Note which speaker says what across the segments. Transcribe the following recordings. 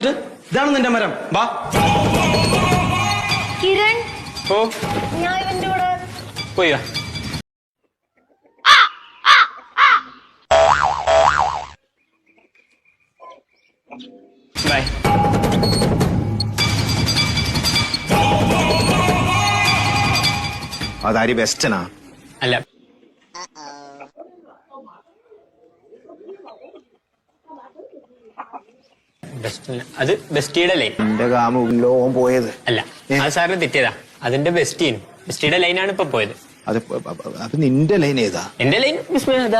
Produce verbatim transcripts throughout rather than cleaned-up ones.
Speaker 1: ഇതാണ് നിന്റെ മരം. വാ
Speaker 2: കിരൺ.
Speaker 1: ഓ
Speaker 2: ഞാൻ ഇവന്റെ കൂടെ
Speaker 1: പോയാ. ബൈ.
Speaker 3: അതാരി ബെസ്റ്റനാ?
Speaker 4: അല്ല, അത് ബെസ്റ്റിയുടെ ലൈൻ.
Speaker 3: എന്റെ കാമ ലോകം പോയത്
Speaker 4: അല്ല, അത് സാറിന് തെറ്റിയതാ. അതിന്റെ ബെസ്റ്റീൻ ബെസ്റ്റിയുടെ ലൈനാണ് ഇപ്പൊ പോയത്.
Speaker 3: അത് അപ്പൊ നിന്റെ ലൈൻ ഏതാ?
Speaker 4: എന്റെ ലൈൻ അതാ.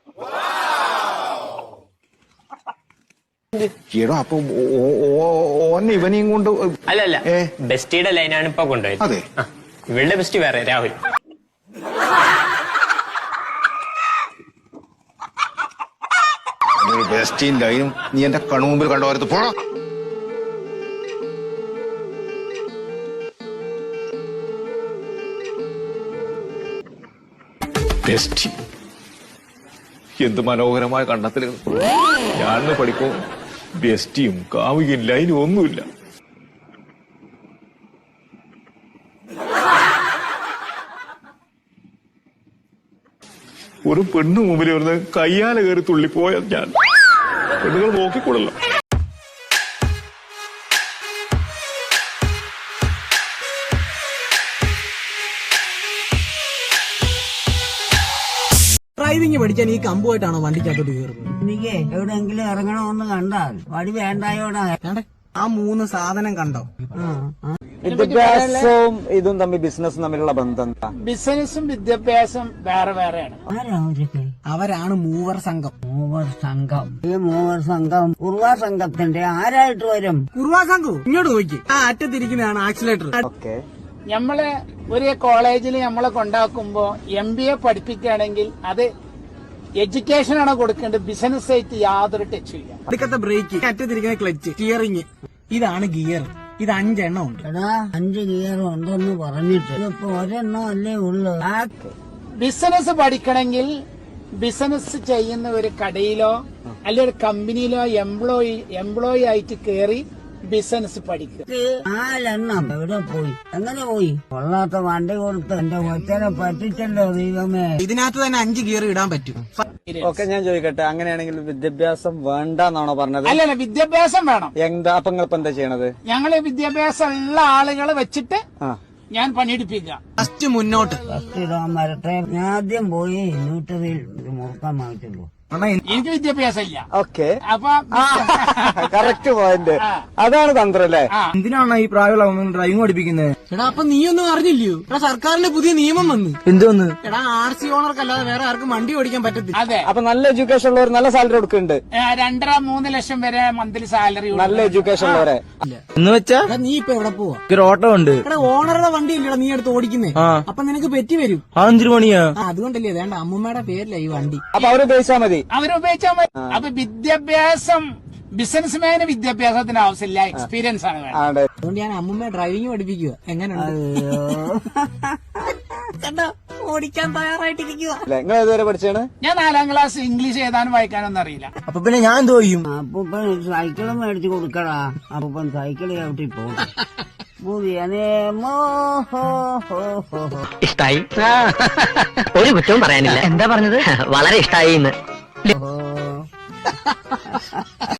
Speaker 3: ഈടോ അപ്പൊ ഓൻ ഇവനെയും കൊണ്ട്
Speaker 4: അല്ല അല്ല ബെസ്റ്റിയുടെ ലൈനാണ് ഇപ്പൊ കൊണ്ടുപോയത്.
Speaker 3: അതെ,
Speaker 4: ഇവളുടെ ബെസ്റ്റ് വേറെ, രാഹുൽ.
Speaker 3: ബെസ്റ്റീൻ ലൈനും നീ എന്റെ കൺമുമ്പിൽ കണ്ടോരത്ത് പോണോ? ബെസ്റ്റി എന്ത് മനോഹരമായ കണ്ടെത്തലുകൾ. ഞാൻ പഠിക്കും ബെസ്റ്റിയും കാമുകയും ലൈനും ഒന്നുമില്ല. ഒരു പെണ്ണു മുമ്പിൽ വരുന്ന കയ്യാല കയറി തുള്ളിപ്പോയാൽ ഞാൻ പെണ്ണുകൾ നോക്കിക്കൊള്ളല്ലോ.
Speaker 5: ഡ്രൈവിംഗ് പഠിക്കാൻ ഈ കമ്പുമായിട്ടാണോ വണ്ടിക്കകത്തോട്ട് കയറുന്നത്?
Speaker 6: എനിക്ക് എവിടെയെങ്കിലും ഇറങ്ങണമെന്ന് കണ്ടാൽ വഴി വേണ്ടായോടാ.
Speaker 5: ആ മൂന്ന് സാധനം കണ്ടോ?
Speaker 7: വിദ്യാഭ്യാസവും ഇതും തമ്മിൽ ബിസിനസ്സും തമ്മിലുള്ള ബന്ധം എന്താ?
Speaker 8: ബിസിനസ്സും വിദ്യാഭ്യാസം വേറെ വേറെയാണ്.
Speaker 5: അവരാണ് മൂവർ സംഘം.
Speaker 6: മൂവർ സംഘം. ഈ മൂവർ സംഘം കുറുവാ സംഘത്തിന്റെ ആരായിട്ട് വരും?
Speaker 5: കുറുവാ സംഘം ഇങ്ങോട്ട് നോക്കി. ആ അറ്റത്തിരിക്കുന്നതാണ് ആക്സിലേറ്റർ.
Speaker 7: ഓക്കെ,
Speaker 8: നമ്മള് ഒരു കോളേജിൽ നമ്മളെ കൊണ്ടാക്കുമ്പോ എം ബി എ പഠിപ്പിക്കുകയാണെങ്കിൽ അത് എഡ്യൂക്കേഷനാണ് കൊടുക്കേണ്ടത്. ബിസിനസ് ആയിട്ട് യാതൊരു ടച്ച് ഇല്ല.
Speaker 5: അടുക്കത്തെ ബ്രേക്ക്, അറ്റത്തിരിക്കുന്ന ക്ലച്ച്, സ്റ്റിയറിംഗ്, ഇതാണ് ഗിയർ. ഇത് അഞ്ചെണ്ണം ഉണ്ട്.
Speaker 6: എടാ, അഞ്ച് ഗിയർ ഉണ്ടെന്ന് പറഞ്ഞിട്ട് ഇപ്പൊ ഒരെണ്ണം അല്ലേ ഉള്ളു.
Speaker 8: ബിസിനസ് പഠിക്കണമെങ്കിൽ ബിസിനസ് ചെയ്യുന്ന ഒരു കടയിലോ അല്ലെങ്കിൽ ഒരു കമ്പനിയിലോ എംപ്ലോയി എംപ്ലോയി ആയിട്ട് കയറി ബിസിനസ് പഠിക്കുക.
Speaker 6: നാലെണ്ണം എവിടെ പോയി? എങ്ങനെ പോയി? കൊള്ളാത്ത വണ്ടി കൊടുത്ത് എന്റെ കൊച്ചനെ പറ്റിച്ചല്ലോ ദൈവമേ.
Speaker 5: ഇതിനകത്ത് തന്നെ അഞ്ച് ഗിയർ ഇടാൻ പറ്റും.
Speaker 7: ഓക്കെ, ഞാൻ ചോദിക്കട്ടെ, അങ്ങനെയാണെങ്കിൽ വിദ്യാഭ്യാസം വേണ്ടെന്നാണോ പറഞ്ഞത്?
Speaker 8: അല്ലല്ല, വിദ്യാഭ്യാസം വേണം.
Speaker 7: എന്താ അപ്പൊ നിങ്ങൾ ഇപ്പൊ എന്താ ചെയ്യണത്?
Speaker 8: ഞങ്ങള് വിദ്യാഭ്യാസം ഉള്ള ആളുകളെ വെച്ചിട്ട് ഞാൻ പണിയെടുപ്പിക്കുക.
Speaker 5: ഫസ്റ്റ് മുന്നോട്ട്
Speaker 6: ഫസ്റ്റ് ഇടാൻ വരട്ടെ. ഞാൻ ആദ്യം പോയി ന്യൂട്ടറിയിൽ ഒരു മുറുക്കാൻ വാങ്ങിച്ചുള്ളൂ.
Speaker 8: എനിക്ക് വിദ്യാഭ്യാസം ഇല്ല.
Speaker 7: ഓക്കെ,
Speaker 8: അപ്പൊ
Speaker 7: കറക്റ്റ് പോയിന്റ്. അതാണ് തന്ത്രം അല്ലേ?
Speaker 5: എന്തിനാണ് ഈ പ്രായമുള്ള ഡ്രൈവിംഗ് പഠിപ്പിക്കുന്നത്? എടാ, അപ്പൊ നീ ഒന്നും അറിഞ്ഞില്ലയോ? എടാ, സർക്കാരിന്റെ പുതിയ നിയമം വന്നു. എന്തോന്ന്? എടാ, ആർ സി ഓണർക്കല്ലാതെ വേറെ ആർക്കും വണ്ടി ഓടിക്കാൻ പറ്റത്തില്ല.
Speaker 8: അതെ,
Speaker 7: അപ്പൊ നല്ല എഡ്യൂക്കേഷൻ ഉള്ളവർ നല്ല സാലറി കൊടുക്കുന്നുണ്ട്.
Speaker 8: രണ്ടര മൂന്ന് ലക്ഷം വരെ മന്ത്ലി സാലറി.
Speaker 7: നല്ല എഡ്യൂക്കേഷൻ ഉള്ളവരെ
Speaker 5: എന്ന് വെച്ചാ നീ ഇപ്പൊ എവിടെ പോവാ? ഒരു ഓട്ടോ ഉണ്ട്. എടാ, ഓണറുടെ വണ്ടി ഇല്ലടാ നീ എടുത്ത് ഓടിക്കുന്നേ. അപ്പൊ നിനക്ക് പെറ്റി വരും. അഞ്ചു മണിയാ. അതുകൊണ്ടല്ലേ വേണ്ട, അമ്മൂമ്മയുടെ പേരില്ല ഈ വണ്ടി.
Speaker 7: അപ്പൊ അവര് ഉപയോഗിച്ചാൽ മതി.
Speaker 8: അവരുപയോഗിച്ചാൽ മതി. അപ്പൊ വിദ്യാഭ്യാസം ബിസിനസ്മാന് വിദ്യാഭ്യാസത്തിന് ആവശ്യമില്ല, എക്സ്പീരിയൻസ് ആണ് വേണ്ടത്.
Speaker 5: അതുകൊണ്ട് ഞാൻ അമ്മൂമ്മയെ ഡ്രൈവിംഗ് പഠിപ്പിക്കുക. എങ്ങനെയുണ്ട്? ഓടിക്കാൻ തയ്യാറായിട്ടിരിക്കുക.
Speaker 7: നിങ്ങൾ ഏതുവരെ പഠിച്ചാണ്?
Speaker 8: ഞാൻ നാലാം ക്ലാസ്. ഇംഗ്ലീഷ് എഴുതാനും വായിക്കാനൊന്നും അറിയില്ല.
Speaker 5: അപ്പൊ പിന്നെ ഞാൻ എന്തോ ചെയ്യും?
Speaker 6: അപ്പൂപ്പൻ സൈക്കിളും മേടിച്ചു കൊടുക്കടാ. അപ്പൂപ്പൻ സൈക്കിൾ ചവിട്ടി പോകും. പുതിയ നിയമോ
Speaker 9: ഇഷ്ടായി. ഒരു കുറ്റവും പറയാനില്ല. എന്താ പറഞ്ഞത്? വളരെ ഇഷ്ടായി.